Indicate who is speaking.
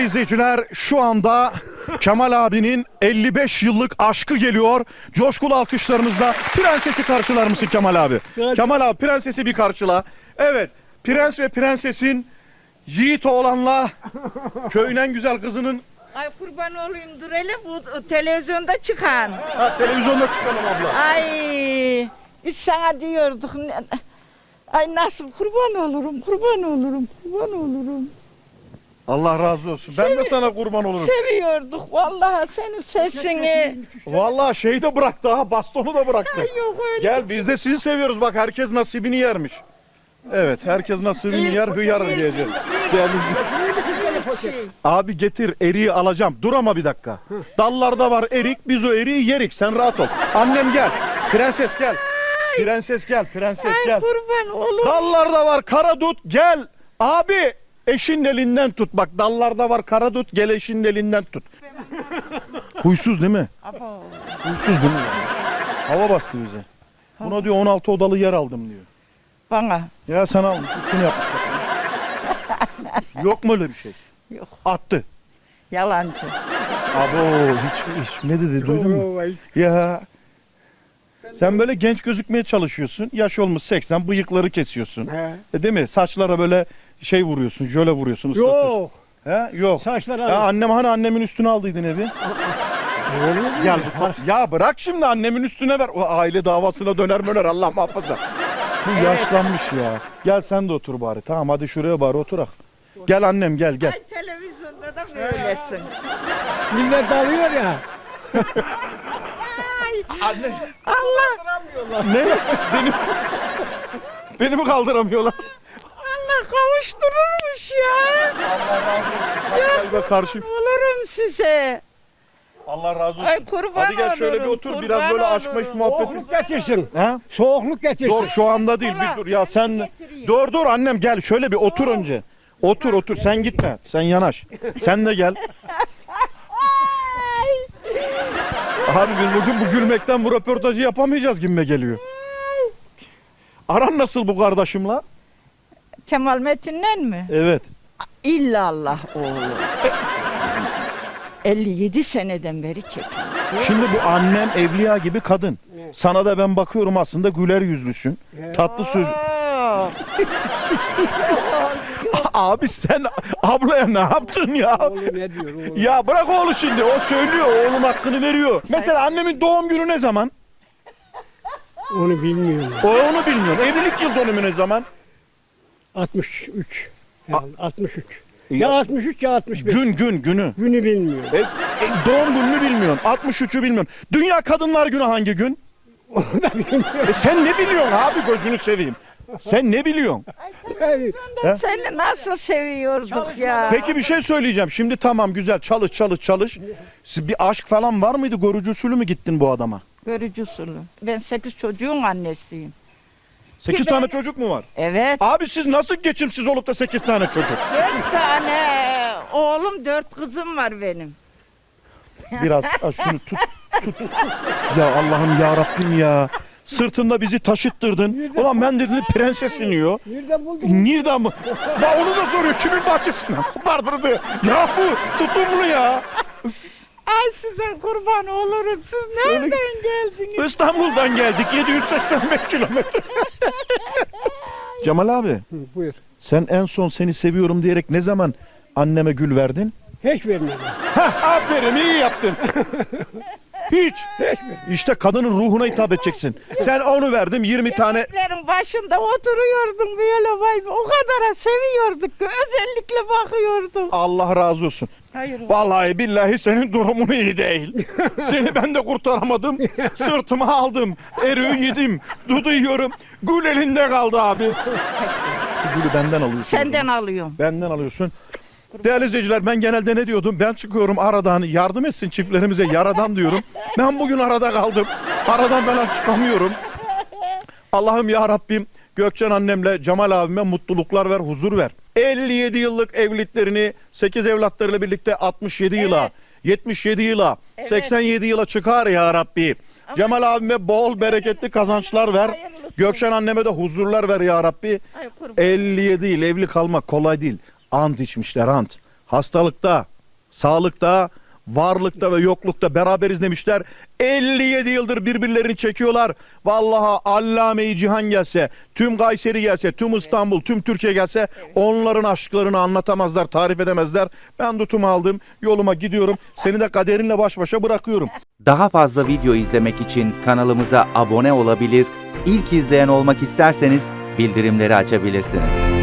Speaker 1: izleyiciler, şu anda Kemal abinin 55 yıllık aşkı geliyor. Coşkulu alkışlarınızla prensesi karşılar mısın Kemal abi? Kemal abi prensesi bir karşıla. Evet, prens ve prensesin yiğit oğlanla köyün en güzel kızının...
Speaker 2: Ay kurban olayım dur hele bu televizyonda çıkan.
Speaker 1: Ha, televizyonda çıkalım abla.
Speaker 2: Ay biz sana diyorduk. Ay nasıl kurban olurum, kurban olurum, kurban olurum.
Speaker 1: Allah razı olsun. Ben de sana kurban olurum.
Speaker 2: Seviyorduk vallahi senin sesini.
Speaker 1: Vallahi şeyi de bıraktı ha, bastonu da bıraktı.
Speaker 2: Ay yok öyle.
Speaker 1: Gel biz de sizi seviyoruz, bak herkes nasibini yermiş. Evet, herkes nasibini yer, hıyar diyecek. Abi getir, eriği alacağım. Dur ama bir dakika. Dallarda var erik, biz o eriği yerik. Sen rahat ol. Annem gel. Prenses gel. Prenses gel, prenses
Speaker 2: Ay
Speaker 1: gel.
Speaker 2: kurban olurum.
Speaker 1: Dallarda var karadut, gel. Abi eşinin elinden tut. Bak dallarda var karadut, gel eşinin elinden tut. Huysuz değil mi?
Speaker 2: Abo.
Speaker 1: Huysuz değil mi? Hava bastı bize. Buna diyor 16 odalı yer aldım diyor.
Speaker 2: Bana.
Speaker 1: Ya sana almış, üstünü yapmış. Yok mu öyle bir şey?
Speaker 2: Yok.
Speaker 1: Attı.
Speaker 2: Yalancı.
Speaker 1: Abo hiç ne dedi duydun mu? Ya sen böyle genç gözükmeye çalışıyorsun. Yaş olmuş 80, bıyıkları kesiyorsun. Değil mi? Saçlara böyle şey vuruyorsun, jöle vuruyorsun, ıslatıyorsun.
Speaker 3: Yok.
Speaker 1: He? Yok.
Speaker 3: Saçlara.
Speaker 1: Ya annem hani annemin üstüne aldıydın evi. Gel ya bırak şimdi annemin üstüne ver. O aile davasına döner Allah muhafaza. Bu yaşlanmış ya. Gel sen de otur bari. Tamam hadi şuraya bari oturak. Gel annem gel.
Speaker 2: Ay televizyonda da böylesin.
Speaker 3: Millet dalıyor ya.
Speaker 1: Anne.
Speaker 2: Allah
Speaker 1: Ne? Beni mi kaldıramıyorlar?
Speaker 2: Allah kavuştururmuş ya.
Speaker 1: Allah razı olsun. Hadi karşı.
Speaker 2: Olurum size.
Speaker 1: Allah razı olsun.
Speaker 2: Ay kurban
Speaker 1: Hadi gel şöyle bir
Speaker 2: olurum,
Speaker 1: otur.
Speaker 2: kurban
Speaker 1: Biraz böyle aşk
Speaker 2: olurum.
Speaker 1: meşk muhabbeti.
Speaker 3: Soğukluk getirsin.
Speaker 1: He?
Speaker 3: Soğukluk getirsin.
Speaker 1: Dur şu anda değil. Bir dur ya sen. Dur annem gel şöyle bir otur önce. Otur sen gitme. Sen yanaş. Sen de gel. Abi biz bugün bu gülmekten bu röportajı yapamayacağız gibime geliyor. Aran nasıl bu kardeşimle?
Speaker 2: Kemal Metin'le mi?
Speaker 1: Evet.
Speaker 2: İllallah oğlu. 57 seneden beri çekiyor.
Speaker 1: Şimdi bu annem evliya gibi kadın. Sana da ben bakıyorum aslında güler yüzlüsün. Tatlı söz. Abi sen ablaya ne yaptın ya?
Speaker 3: Oğlum ne diyor oğlum?
Speaker 1: Ya bırak oğlu şimdi. O söylüyor. Oğlun hakkını veriyor. Mesela annemin doğum günü ne zaman?
Speaker 3: Onu bilmiyorum.
Speaker 1: Onu bilmiyorsun. Evlilik yıl dönümü ne zaman?
Speaker 3: 63. Yani 63. Ya 63 ya 65.
Speaker 1: Günü.
Speaker 3: Günü bilmiyorum.
Speaker 1: Doğum gününü bilmiyorsun. 63'ü bilmiyorsun. Dünya Kadınlar Günü hangi gün?
Speaker 3: Onu da bilmiyorum.
Speaker 1: Sen ne biliyorsun abi gözünü seveyim. Sen ne biliyorsun?
Speaker 3: Yani
Speaker 2: Seni nasıl seviyorduk ya.
Speaker 1: Peki bir şey söyleyeceğim. Şimdi tamam güzel çalış. Bir aşk falan var mıydı? Görücü usulü mü gittin bu adama?
Speaker 2: Görücü usulü. Ben 8 çocuğun annesiyim.
Speaker 1: 8 tane çocuk mu var?
Speaker 2: Evet.
Speaker 1: Abi siz nasıl geçimsiz olup da 8 tane çocuk?
Speaker 2: 4 tane oğlum 4 kızım var benim.
Speaker 1: Biraz şunu tut. Ya Allah'ım ya Rabbim ya. Sırtında bizi taşıttırdın. Ulan ben dedim prenses iniyor.
Speaker 3: nereden buldun?
Speaker 1: Nereden mı? Bak onu da soruyor. Kimin bahçesinden kopardırdı? Ya bu tutumlu ya.
Speaker 2: Ay size kurban olurum. Siz nereden geldiniz?
Speaker 1: İstanbul'dan geldik 785 kilometre. Cemal abi
Speaker 3: Hı, buyur.
Speaker 1: sen en son seni seviyorum diyerek ne zaman anneme gül verdin?
Speaker 3: Hiç vermedim.
Speaker 1: Hah aferin iyi yaptın. Hiç. İşte kadının ruhuna hitap edeceksin. Sen onu verdim 20 tane.
Speaker 2: Evlerin başında oturuyordum böyle vay be. O kadar seviyorduk ki özellikle bakıyorduk.
Speaker 1: Allah razı olsun.
Speaker 2: Hayır.
Speaker 1: Vallahi billahi senin durumun iyi değil. Seni ben de kurtaramadım. Sırtıma aldım. Eriği yedim. Dudu yiyorum. Gül elinde kaldı abi. Şu gülü benden alıyorsun.
Speaker 2: Senden alıyorum.
Speaker 1: Benden alıyorsun. Değerli izleyiciler ben genelde ne diyordum? Ben çıkıyorum aradan yardım etsin çiftlerimize yaradan diyorum. Ben bugün arada kaldım. Aradan falan çıkamıyorum. Allah'ım ya Rabbim Gökçen annemle Cemal abime mutluluklar ver, huzur ver. 57 yıllık evliliklerini 8 evlatlarıyla birlikte 67 yıla, 77 yıla, 87 yıla çıkar ya Rabbi. Cemal abime bol bereketli kazançlar ver. Gökçen anneme de huzurlar ver ya Rabbi. 57 yıl evli kalmak kolay değil. Ant içmişler ant. Hastalıkta, Sağlıkta, varlıkta ve yoklukta beraberiz demişler. 57 yıldır birbirlerini çekiyorlar. Vallahi Allame-i Cihan gelse, tüm Kayseri gelse, tüm İstanbul, tüm Türkiye gelse onların aşklarını anlatamazlar, tarif edemezler. Ben tutumu aldım, yoluma gidiyorum. Seni de kaderinle baş başa bırakıyorum.
Speaker 4: Daha fazla video izlemek için kanalımıza abone olabilir, ilk izleyen olmak isterseniz bildirimleri açabilirsiniz.